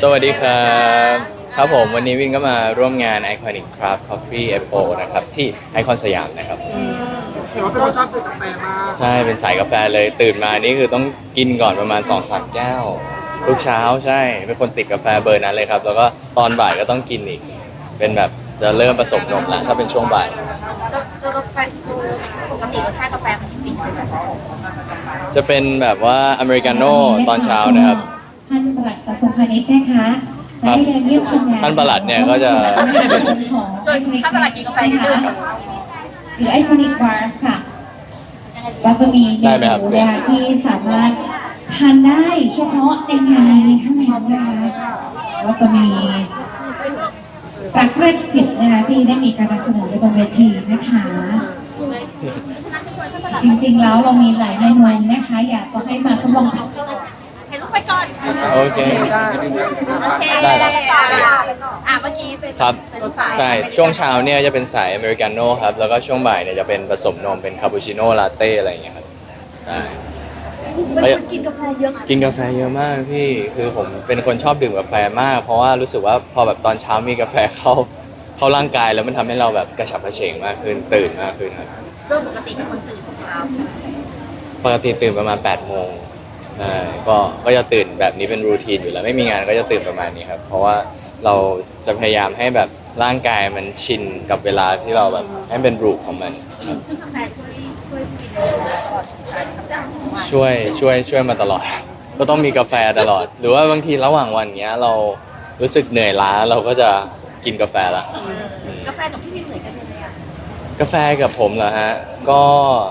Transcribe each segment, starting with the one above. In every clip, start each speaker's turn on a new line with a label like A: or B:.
A: สวัสดีครับครับผมวันนี้วินก็มาร่วมงาน Iconic Craft Coffee Expo นะครับที่ไอคอนสยามนะครับ
B: เห็นว่าเป็นคนชอบดื่มกาแฟมาก
A: ใช่เป็นสายกาแฟเลยตื่นมานี่คือต้องกินก่อนประมาณ 2-3 แก้วทุกเช้าใช่เป็นคนติดกาแฟเบอร์นั้นเลยครับแล้วก็ตอนบ่ายก็ต้องกินอีกเป็นแบบจะเริ่มผสมนมแล้วถ้าเป็นช่วงบ่าย
C: ตัวกาแฟปกติรสชาติกาแฟมันเป็นยังไง
A: จะเป็นแบบว่าอเมริกาโน่ตอนเช้านะครับ
D: ท่านปลัดกระทรวงพาณิชย์นะคะได้เดินเยี่ยมชมงาน
A: ท่านปลัดเนี่ยก็จะ
D: ของ
C: ส่วนถ้าตลาดกินกาแฟนี่ด้วย
D: หรือไอคอนิกบาร์สค่ะก็จะมีเม
A: ได้ไหมครับ
D: นูนะคะที่สามารถทานได้เฉพาะในงานนี้เท่านั้นนะคะก็จะมีปรักเรกจิตนะคะที่ได้มีการนำเสนอในบนเวทีนะคะ จริงๆแล้วเรามีหลายเมนูนะคะอยากจะให้มาทดลองทำ
C: เห็นลูกไปก่อน
A: โอเค
B: ได้
C: โอเค
A: ได้ครับ
C: เมื่อกี้เป็น
A: ครับ
C: เป็นสาย
A: ใช่ช่วงเช้าเนี่ยจะเป็นสายอเมริกาโน่ครับแล้วก็ช่วงบ่ายเนี่ยจะเป็นผสมนมเป็นคาปูชิโน่ลาเต้อะไรอย่างเงี้ยครับใช่
C: เป็นคนกินกาแฟเยอะ
A: กินกาแฟเยอะมากพี่คือผมเป็นคนชอบดื่มกาแฟมาก เพราะว่ารู้สึกว่าพอแบบตอนเช้ามีกาแฟเข้าร่างกายแล้วมันทำให้เราแบบกระฉับกระเฉงมากขึ้นตื่นมากขึ้นครับ
C: โดยปกติเป็นคนตื่นเช้า
A: ปกติตื่นประมาณ8 โมงใช่ก็จะตื่นแบบนี้เป็นรูทีนอยู่แล้วไม่มีงานก็จะตื่นประมาณนี้ครับเพราะว่าเราจะพยายามให้แบบร่างกายมันชินกับเวลาที่เราแบบให้เป็นรูปของมันครับ
C: ซึ่งกาแฟช่วยกินตลอดการทำงานของวัน
A: ช่วยมาตลอด ก็ต้องมีกาแฟตลอด หรือว่าบางทีระหว่างวันเนี้ยเรารู้สึกเหนื่อยล้าเราก็จะกินกาแฟละ
C: กาแฟกับพี่วินเหมือนกันเลยอ่ะ
A: กาแฟกับผมเหรอฮะก็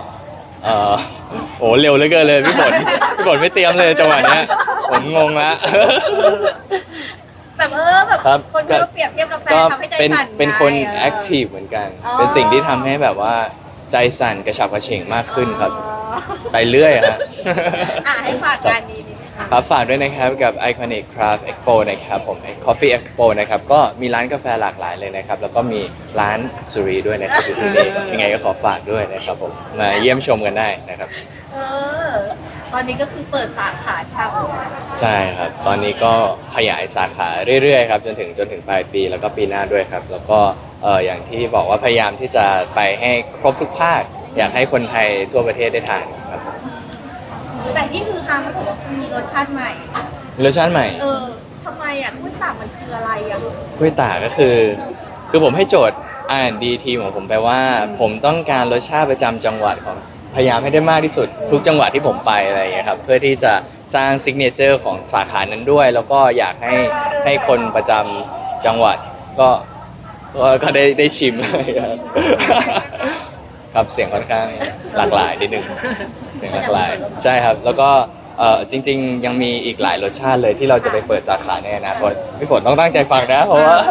A: โอ้เร็วเหลือเกินเลยพี่ฝนไม่เตรียมเลยจังหวะเนี้ยผมงงละ
C: แบบแบบ
A: ครับ
C: คนที่เราเปรียบเทียบกาแฟ
A: ก็
C: ทำให้ใจ
A: เป็น
C: สั่น
A: เป็นคน
C: ไง
A: แอคทีฟเหมือนกัน
C: อ๋อ
A: เป็นสิ่งที่ทำให้แบบว่าใจสั่นกระฉับกระเฉงมากขึ้นครับ ไปเรื่อยฮะ
C: ให้ฝากงานนี้นิดนึงค่ะ
A: ครับฝากด้วยนะครับกับ Iconic Craft Expo นะครับผม Coffee Expo นะครับก็มีร้านกาแฟหลากหลายเลยนะครับแล้วก็มีร้านสุรีด้วยนะครับอยู่ที่นี่ยังไงก็ขอฝากด้วยนะครับผมมาเยี่ยมชมกันได้นะครับ
C: เออตอนนี้ก็คือเปิดสาขาเช่า
A: ใช่ครับ ตอนนี้ก็ขยายสาขาเรื่อยๆครับจนถึงปลายปีแล้วก็ปีหน้าด้วยครับ แล้วก็อย่างที่บอกว่าพยายามที่จะไปให้ครบทุกภาค อยากให้คนไทยทั่วประเทศได้ทานครับ
C: แต่ที่คือฮาเขาบอกว่ามีรสชาติใหม่
A: รสชาติใหม่
C: ทำไมอ่ะกล้วยตากมันคืออะไรอ่ะ
A: กล้วยตากก็คือผมให้โจทย์ R&D ทีมของผมไปว่า ผมต้องการรสชาติประจำจังหวัดของพยายามให้ได้มากที่สุดทุกจังหวัดที่ผมไปอะไรอย่างเงี้ยครับเพื่อที่จะสร้างซิกเนเจอร์ของสาขานั้นด้วย แล้วก็อยากให้คนประจำจังหวัดก็ได้ชิมเลยครับ ครับเสียงค่อนข้างหลากหลายนิดนึงเสียงหลากหลายใช่ครับ แล้วก็จริงๆยังมีอีกหลายรสชาติเลยที่เราจะไปเปิดสาขาในอนาคตพี่ฝนต้องตั้งใจฟังนะเพราะว่า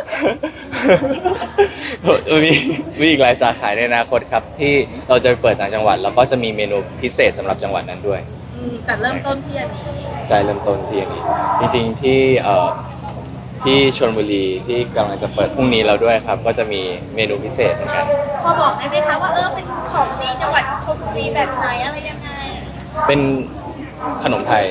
A: มีอีกหลายสาขาในอนาคตครับที่เราจะไปเปิดต่างจังหวัดแล้วก็จะมีเมนูพิเศษสำหรับจังหวัดนั้นด้วย
C: แต่เริ่มต้นที่อันนี้
A: ใช่เริ่มต้นที่อย่างนี้จริงๆที่ชลบุรีที่กำลังจะเปิดพรุ่งนี้แล้วด้วยครับ ก็จะมีเมนูพิเศษเหมือนกัน
C: พอบอกได้ไหมคะว่าเป็นของดีจังหวัดชลบุรีแบบไหนอะไรยังไง
A: เป็นขนมไทย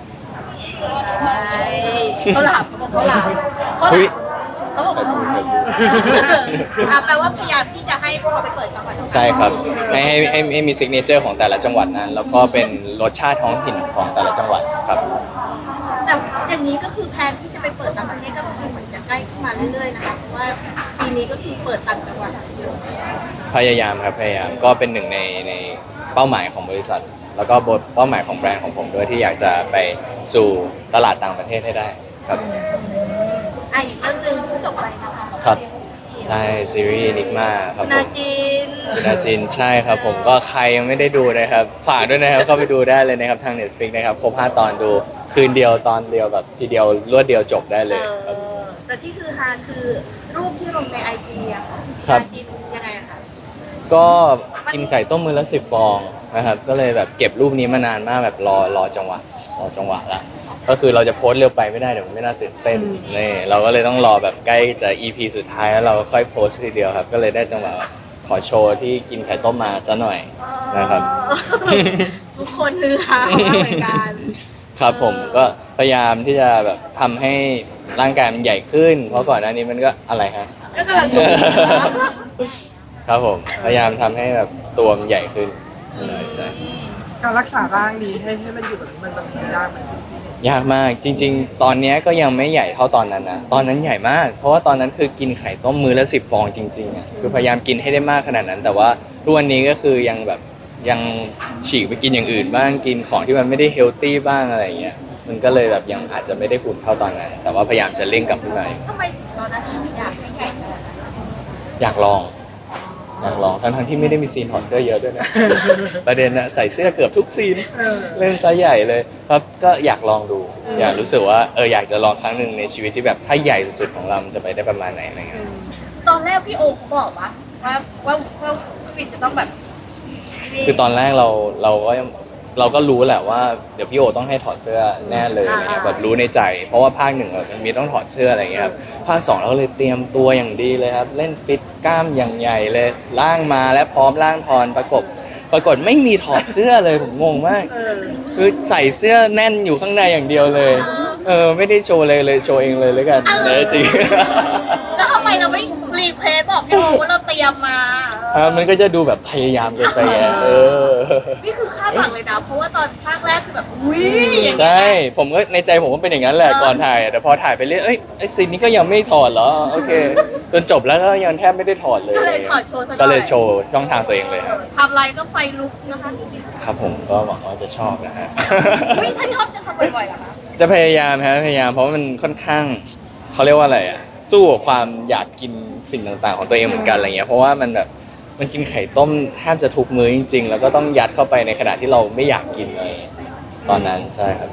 C: เขาหลับเขาหลับ
A: อุ๊ย
C: เขาบอกเขาหลับแปลว่าพยายามที่จะให้พอไปเปิดจังหวัด
A: ใช่ครับให้มีซิกเนเจอร์ของแต่ละจังหวัดนั้น แล้วก็เป็นรสชาติท้องถิ่นของแต่ละจังหวัดครับ
C: แต่อย่างนี้ก็คือแพลนที่จะไปเปิดต่างประเทศก็คือเหมือนจะใกล้ขึ้นมาเรื่อยๆนะคะเพราะว่าปีนี้ก็คือเปิดต่างจังหวัดเยอะ
A: พยายามครับพยายามก็เป็นหนึ่งในเป้าหมายของบริษัท แล้วก็เป้าหมายของแบรนด์ของผมด้วยที่อยากจะไปสู่ตลาดต่างประเทศให้ได้ครับ
C: อีกเรื่องหนึงที่จบไปนะคะ
A: ครับใช่ซีรีส์นิกมาครับผ
C: นาม จีน
A: คุณอาจินใช่ครับผมก็ใครยังไม่ได้ดูนะครับฝากด้วยนะครับก็ไปดูได้เลยนะครับทาง Netflix นะครับครบ5 ตอนดูคืนเดียวตอนเดียวแบบทีเดียวรวดเดียวจบได้เลยครับ
C: แต่ที่คือฮาคือรูปที่ลงในไอจีอะค่ะ
A: ครับ
C: นาจีนยังไงอะคะ
A: ก็กินไก่ต้มมือละ10 ฟองนะครับก็เลยแบบเก็บรูปนี้มานานมากแบบรอจังหวะละก็คือเราจะโพสต์เร็วไปไม่ได้เดี๋ยวมันไม่น่าตื่นเต้นนี่เราก็เลยต้องรอแบบใกล้จะ EP สุดท้ายแล้วเราก็ค่อยโพสต์ทีเดียวครับก็เลยได้จังหวะขอโชว์ที่กินไข่ต้มมาซะหน่อยนะครับ
C: ทุกคนคือฮามากเหมือนกัน
A: ครับผมก็พยายามที่จะแบบทำให้ร่างกายมันใหญ่ขึ้น เพราะก่อนหน้านี้มันก็อะไรฮะ
C: ก็กำลังดูนะ
A: ครับผมพยายามทำให้แบบตัวมันใหญ่ขึ้นใช่
B: การรักษาร่างนี้ให้มันอยู่แบบนี้มันยากไหม
A: ยากมากจริง ๆ ตอนเนี้ยก็ยังไม่ใหญ่เท่าตอนนั้นนะตอนนั้นใหญ่มาก เพราะว่าตอนนั้นคือกินไข่ต้มมื้อละ10 ฟองจริงๆอ่ะคือพยายามกินให้ได้มากขนาดนั้น แต่ว่าทุกวันนี้ก็คือยังแบบยังฉีกไปกินอย่างอื่นบ้างกินของที่มันไม่ได้เฮลตี้บ้างอะไรอย่างเงี้ยมันก็เลยแบบยังอาจจะไม่ได้หุ่นเท่าตอนนั้น แต่ว่าพยายามจะเร่งกลับขึ้นมาอยู่
C: ทำไมถึงตอนนั้นถึงอยากให้ใหญ่ขนาดนั้น
A: อยากลองทั้งที่ไม่ได้มีซีนถอดเสื้อเยอะด้วยนะ ประเด็นนะใส่เสื้อเกือบทุกซีน เล่นไซส์ใหญ่เลยครับก็อยากลองดู อยากรู้สึกว่าอยากจะลองครั้งหนึ่งในชีวิตที่แบบถ้าใหญ่สุดๆของเรามันจะไปได้ประมาณไหนอะไรเงี้ย
C: ตอนแรกพี่โอเขาบอกว่าวินจะต้องแบบ
A: คือตอนแรกเราก็รู้แหละว่าเดี๋ยวพี่โอต้องให้ถอดเสื้อแน่เลยอะไรเงี้ยแบบรู้ในใจ เพราะว่าภาคหนึ่งมันมีต้องถอดเสื้ออะไรเงี้ยครับภาค 2เราก็เลยเตรียมตัวอย่างดีเลยครับเล่นฟิตกล้ามอย่างใหญ่เลยล่างมาและพร้อมล่างทอนปรากฏไม่มีถอดเสื้อเลยผมงงมาก คือใส่เสื้อแน่นอยู่ข้างในอย่างเดียวเลย ไม่ได้โชว์เลยโชว์เองเลยแล้วกันจริง
C: แล้วทำไมเราไม่รีเพลย์บอกพี่โอว่าเราเตรียมมา
A: มันก็จะดูแบบพยายามเกินไปไง
C: นี่คือคาดหวังเลยนะเพราะว่าตอนภาคแรกคือแบบอุ้ยอย่างเงี้ย
A: ใช่ผมก็ในใจผมก็เป็นอย่างนั้นแหละก่อนถ่ายแต่พอถ่ายไปเรื่อยไอ้ซีนนี้ก็ยังไม่ถอดเหรอโอเคจนจบแล้วก็ยังแทบไม่ได้ถอดเลย
C: ก็เลยถอดโชว์ซะหน่อย
A: ก็เลยโชว์ช่องทางตัวเองเลยครับ
C: ทำอะไรก็ไฟลุกนะคะ
A: ครับผมก็หวังว่าจะชอบนะฮะ
C: อุ้ยถ้าชอบจะทำบ่อยๆเหรอคะ
A: จะพยายามเพราะว่ามันค่อนข้างเขาเรียกว่าอะไรอ่ะสู้กับความอยากกินสิ่งต่างๆของตัวเองเหมือนกันอะไรเงี้ยเพราะว่ามันแบบมันกินไข่ต้มแทบจะทุกมื้อจริงๆแล้วก็ต้องยัดเข้าไปในขณะที่เราไม่อยากกินเลยตอนนั้นใช่ครับ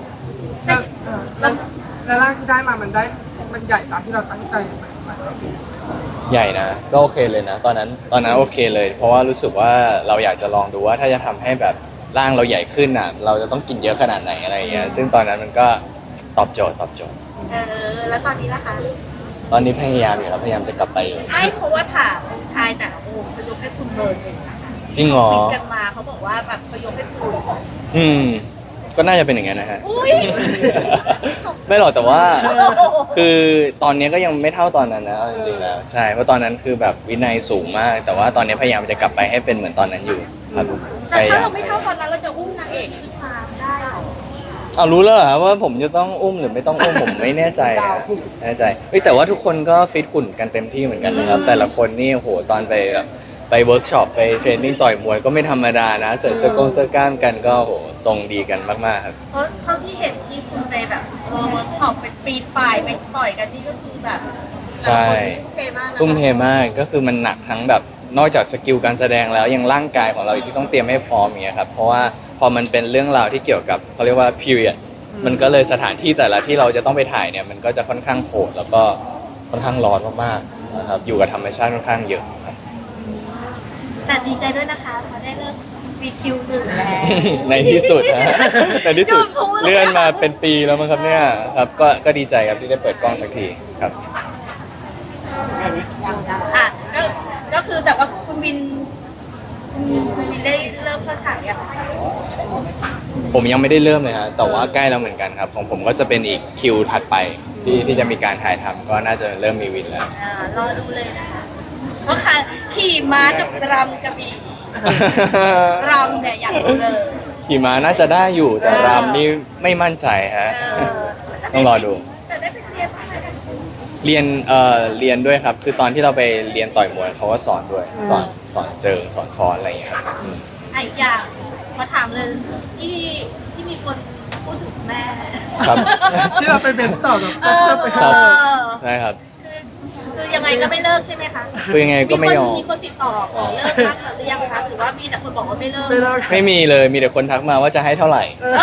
B: แล้วร่างที่ได้มามันใหญ่ตามที่เราตั้งใจไหม
A: ใหญ่นะก็โอเคเลยนะตอนนั้นโอเคเลย เพราะว่ารู้สึกว่าเราอยากจะลองดูว่าถ้าจะทำให้แบบร่างเราใหญ่ขึ้นอ่ะเราจะต้องกินเยอะขนาดไหนอะไรเงี้ยซึ่งตอนนั้นมันก็ตอบโจทย์
C: แล้วตอนนี้ล่ะคะ
A: ตอนนี้พยายามอยู่ครับพยายามจะกลับไปอยู่
C: ไม่เพราะว่าถามชายแต่ละโอ้เขายกให้คุณเบิร์นเลยนะคะ
A: จริงเหรอ
C: ฟิตกันมาเขาบอกว่าแบบเขายกให้คุณ
A: ก็น่าจะเป็นอย่างนั้นนะฮะ
C: อุ้ย
A: ไม่หรอกแต่ว่าคือตอนนี้ก็ยังไม่เท่าตอนนั้นนะเอาจริงๆแล้วใช่เพราะตอนนั้นคือแบบวินัยสูงมาก แต่ว่าตอนนี้พยายามจะกลับไปให้เป็นเหมือนตอนนั้นอยู่ครับ
C: แต่ถ้าเราไม่เท่าตอนนั้นเราจะอุ้มนางเอกขึ้นมาได้เหรอ
A: เอารู้แล้วเหรอว่าผมจะต้องอุ้มหรือไม่ต้องอุ้มผมไม่แน่ใจอะแน่ใจแต่ว่าทุกคนก็ฟิตหุ่นกันเต็มที่เหมือนกันนะครับแต่ละคนนี่โหตอนไปแบบไปเวิร์กช็อปไปเทรนนิ่งต่อยมวยก็ไม่ธรรมดานะเสริมเสื้อกล้ามกันก็โหทรงดีกันมากๆครับ
C: เพราะเท่าที่เห็นที่คุณไปแบบเวิร์กช็อปไปปีนป่ายไปต่อยกันนี่ก็คือแบบ
A: ใช่
C: เทมากนะ
A: ทุ่มเทมากก็คือมันหนักทั้งแบบนอกจากสกิลการแสดงแล้วยังร่างกายของเราอีกที่ต้องเตรียมให้พร้อมอย่างเงี้ยครับเพราะว่าพอมันเป็นเรื่องราวที่เกี่ยวกับเขาเรียกว่า period มันก็เลยสถานที่แต่ละที่เราจะต้องไปถ่ายเนี่ยมันก็จะค่อนข้างโหดแล้วก็ค่อนข้างร้อนมากๆนะครับอยู่กับธรรมชาติค่อนข้างเยอะครับ
C: แต่ดีใจด้วยนะคะพอได้เลิกวีคิวหนึ่งแล้ว
A: ในที่สุดนะในที่สุดเลื่อนมาเป็นปีแล้วมั้งครับเนี่ยครับก็ดีใจครับที่ได้เปิดกล้องสักทีครับ
C: อ่ะก็คือแต่ว่าคุณวินได้เริ่มเข้าฉากยัง
A: ผมยังไม่ได้เริ่มเลยฮะแต่ว่าใกล้แล้วเหมือนกันครับของผมก็จะเป็นอีกคิวถัดไปที่จะมีการถ่ายทำก็น่าจะเริ่มมีวินแล้ว
C: รอดูเลยนะคะเพราะค่ะขี่ม้ากับรำกระบี่รำเนี่ยอยากรู้เลย
A: ขี่ม้าน่าจะได้อยู่แต่รำนี่ไม่มั่นใจฮะต้องรอดู
C: แต่ได้ไปเรียนอะไรกัน
A: เรียนด้วยครับ คือตอนที่เราไปเรียนต่อยมวยเขาก็สอนด้วยสอนเจิงสอนคอนอะไรอย่างเงี้ยครับ
C: อีกอย่างมาถามเลยที่มีคนพูดถึงแม่
A: ครับ
B: ที่เราไปเบนต่อกับ
A: ครับได้ครับ
C: คือยังไงก็ไม่เลิกใช่ไหมคะ
A: คือยังไงก็ไม่ยอม
C: มีคนติดต่อขอเลิกพักหรือยังคะหรือว่ามีแต่คนบอกว่าไม่เลิก
B: ไม่เลิก
A: ไม่มีเลยมีแต่คนทักมาว่าจะให้เท่าไหร่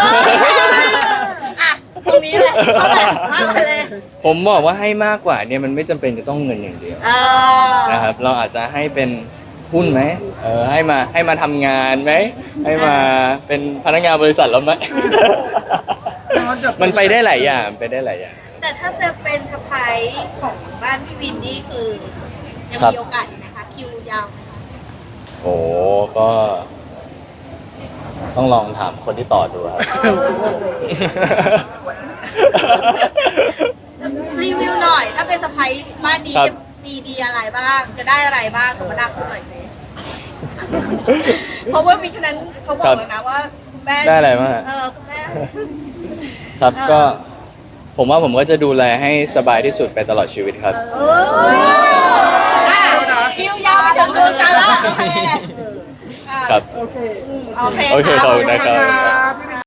C: อ่ะตรงนี้เลยเอาเลยมาเลย
A: ผมบอกว่าให้มากกว่าเนี่ยมันไม่จำเป็นจะต้องเงินอย่างเดียวนะครับเราอาจจะให้เป็นหุ้นไหมให้มาทำงานไหมให้มาเป็นพนักงานบริษัทเราไหม มันไปได้หลายอย่างไปได้หลายอย่าง
C: แต่ถ้าจะเป็นสะพายของบ้านพี่วินนี่คือยัง
A: ครับ
C: มีโอกาสอยู่ไหมคะคิวยาวไหมคะ
A: โอ้ก็ต้องลองถามคนที่ต่อดูครับ
C: รีวิวหน่อย ถ้าเป็นสะพ้ายบ้านนี้
A: ครับ
C: จะมีดีอะไรบ้าง จะได้อะไรบ้างสมนาคุณหน่อยสิเพราะว่ามีฉะนั้นเขาบอกแล้วนะว่าแม่
A: ได้อะไรบ้างอะ
C: คุณแม่
A: ครับ
C: เออ
A: ก็ผมว่าผมก็จะดูแลให้สบายที่สุดไปตลอดชีวิตครับ
C: เอ้ยคิวยาวไปถึงเดือนกันแล้วโอเค
A: ครับ
B: โอเค
C: โอเค
A: โอเคขอบคุณนะครับ
B: ขอบคุณครับ